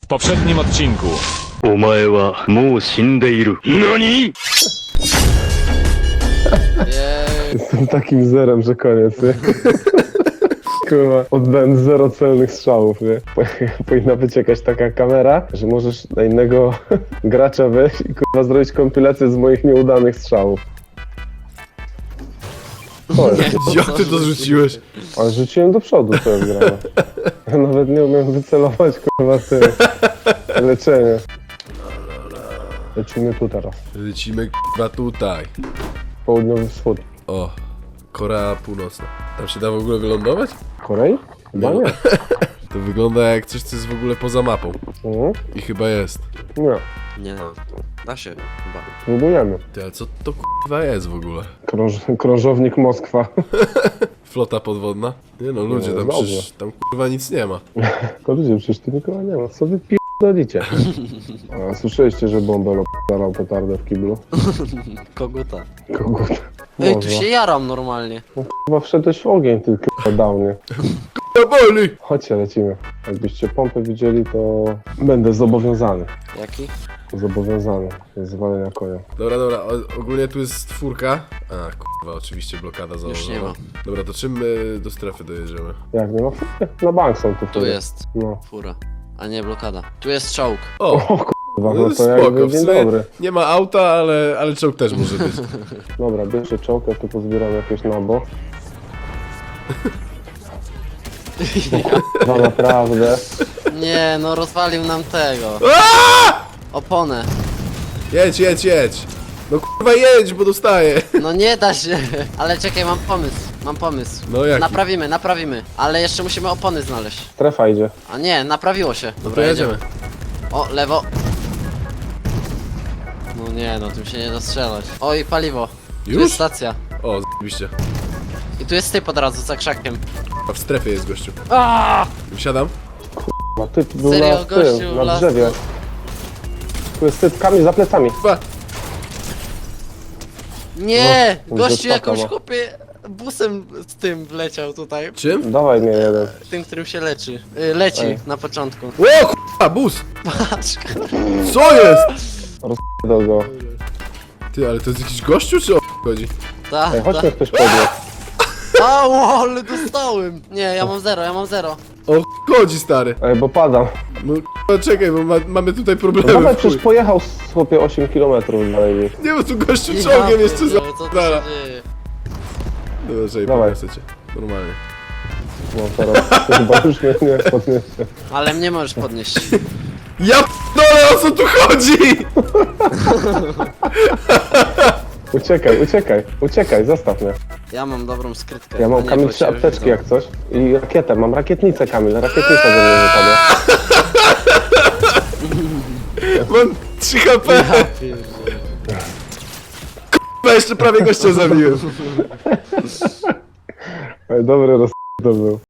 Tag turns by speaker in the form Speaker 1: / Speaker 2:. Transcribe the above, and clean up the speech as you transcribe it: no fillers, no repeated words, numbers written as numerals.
Speaker 1: poprzednim odcinku.
Speaker 2: お前はもう死んでいる。何？
Speaker 3: Jestem takim zerem, że koniec, nie? Kurwa, oddałem 0 celnych strzałów, nie? Powinna być jakaś taka kamera, że możesz na innego gracza wejść i kurwa zrobić kompilację z moich nieudanych strzałów.
Speaker 4: Jak ty to zrzuciłeś?
Speaker 3: Ale rzuciłem do przodu, co jest grane. Ja nawet nie umiem wycelować, kurwa, ty. Leczenie. Lecimy tu teraz.
Speaker 4: Lecimy k***a tutaj.
Speaker 3: Południowy wschód.
Speaker 4: O, Korea Północna. Tam się da w ogóle wylądować?
Speaker 3: Korei? Chyba nie.
Speaker 4: To wygląda jak coś, co jest w ogóle poza mapą.
Speaker 3: Mhm.
Speaker 4: I chyba jest.
Speaker 3: Nie.
Speaker 5: Nie no, da się chyba.
Speaker 3: Próbujemy.
Speaker 4: Ty, ale co to k***a jest w ogóle?
Speaker 3: Krążownik Moskwa.
Speaker 4: Flota podwodna? Nie no, ludzie, tam
Speaker 3: dobrze.
Speaker 4: przecież, tam k***a nic nie ma.
Speaker 3: Tylko ludzie, przecież tu nikogo nie ma. Co wy pierdolicie? A słyszeliście, że Bąbel op***alał petardę w kiblu?
Speaker 5: Koguta.
Speaker 3: Kogut.
Speaker 5: Ej, tu się jaram normalnie.
Speaker 3: Chyba wszedłeś w ogień, ty k***a dał mnie.
Speaker 4: To boli!
Speaker 3: Chodźcie, lecimy. Jakbyście pompę widzieli, to będę zobowiązany.
Speaker 5: Jaki?
Speaker 3: Zobowiązany do zwalenia konia.
Speaker 4: Dobra, ogólnie tu jest czwórka. A, k***a, oczywiście blokada założona.
Speaker 5: Już nie ma.
Speaker 4: Dobra, to czym my do strefy dojedziemy?
Speaker 3: Jak nie ma fury? Na bank są tu
Speaker 5: Tu
Speaker 3: fury.
Speaker 5: jest
Speaker 3: No.
Speaker 5: fura. A nie blokada. Tu jest czołg.
Speaker 4: O!
Speaker 3: Chyba,
Speaker 4: No
Speaker 3: no to
Speaker 4: spoko,
Speaker 3: jakby
Speaker 4: w
Speaker 3: dzień
Speaker 4: sumie
Speaker 3: dobry.
Speaker 4: nie ma auta, ale czołg też może być.
Speaker 3: Dobra, bierzcie czołg, ja tu pozbieram jakieś nabo. No naprawdę.
Speaker 5: Nie, no rozwalił nam tego. Oponę.
Speaker 4: Jedź! No k***a jedź, bo dostaję!
Speaker 5: No nie da się. Ale czekaj, mam pomysł.
Speaker 4: No jaki?
Speaker 5: Naprawimy. Ale jeszcze musimy opony znaleźć.
Speaker 3: Strefa idzie.
Speaker 5: A nie, naprawiło się.
Speaker 4: No to jedziemy.
Speaker 5: O, lewo. No nie, no tym się nie da strzelać. Oj, paliwo. Tu
Speaker 4: Już?
Speaker 5: jest stacja.
Speaker 4: O, z***biście.
Speaker 5: I tu jest typ od razu, za krzakiem.
Speaker 4: A w strefie jest gościu.
Speaker 5: Aaaa!
Speaker 4: Wsiadam.
Speaker 3: Ma typ był
Speaker 5: Serio,
Speaker 3: na
Speaker 5: gościu,
Speaker 3: tym, na
Speaker 5: las-
Speaker 3: drzewie. Tu jest typ, Kamil, za plecami.
Speaker 4: Chyba.
Speaker 5: Nie!
Speaker 3: No,
Speaker 5: Gościu
Speaker 3: że spoko
Speaker 5: jakąś
Speaker 3: ma.
Speaker 5: chłopie busem z tym wleciał tutaj.
Speaker 4: Czym?
Speaker 3: Dawaj mnie jeden.
Speaker 5: Tym, którym się leczy. Leci
Speaker 3: Ej.
Speaker 5: na początku.
Speaker 4: O k***a, bus!
Speaker 5: Patrz,
Speaker 4: Co jest?
Speaker 3: Do go.
Speaker 4: Ty, ale to jest jakiś gościu, czy o chodzi?
Speaker 5: ta,
Speaker 3: Ej,
Speaker 5: ta.
Speaker 3: chodźmy ktoś podnieść.
Speaker 5: Au, ale dostałem! Nie, ja mam zero.
Speaker 4: O chodzi, stary.
Speaker 3: Ej, bo padam.
Speaker 4: No k***a, czekaj, bo mamy tutaj
Speaker 3: No
Speaker 4: problemy.
Speaker 3: dawaj,
Speaker 4: w chuj.
Speaker 3: przecież pojechał chłopie 8 km dalej.
Speaker 4: Nie, bo tu gościu
Speaker 5: Ja
Speaker 4: czołgiem jeszcze
Speaker 5: pierdzielę, co tu się
Speaker 4: za...
Speaker 5: dzieje?
Speaker 4: Dobra, czekaj,
Speaker 3: Dawaj.
Speaker 4: podniosę cię. Normalnie.
Speaker 3: No teraz chyba już mnie nie podniesie.
Speaker 5: Ale mnie możesz podnieść.
Speaker 4: Ja p***dolę, o co tu chodzi?
Speaker 3: Uciekaj, zostaw mnie.
Speaker 5: Ja mam dobrą skrytkę.
Speaker 3: Ja
Speaker 5: a
Speaker 3: mam,
Speaker 5: nie,
Speaker 3: Kamil,
Speaker 5: bo
Speaker 3: 3
Speaker 5: cię
Speaker 3: apteczki
Speaker 5: widzą.
Speaker 3: jak coś. I rakietę, mam rakietnicę, Kamil, rakietnica ze mnie wypadła.
Speaker 4: Mam 3 HP.
Speaker 5: Ja pierdzielę.
Speaker 4: K***a, jeszcze prawie gościa zabiłem.
Speaker 3: Ej, dobry to był.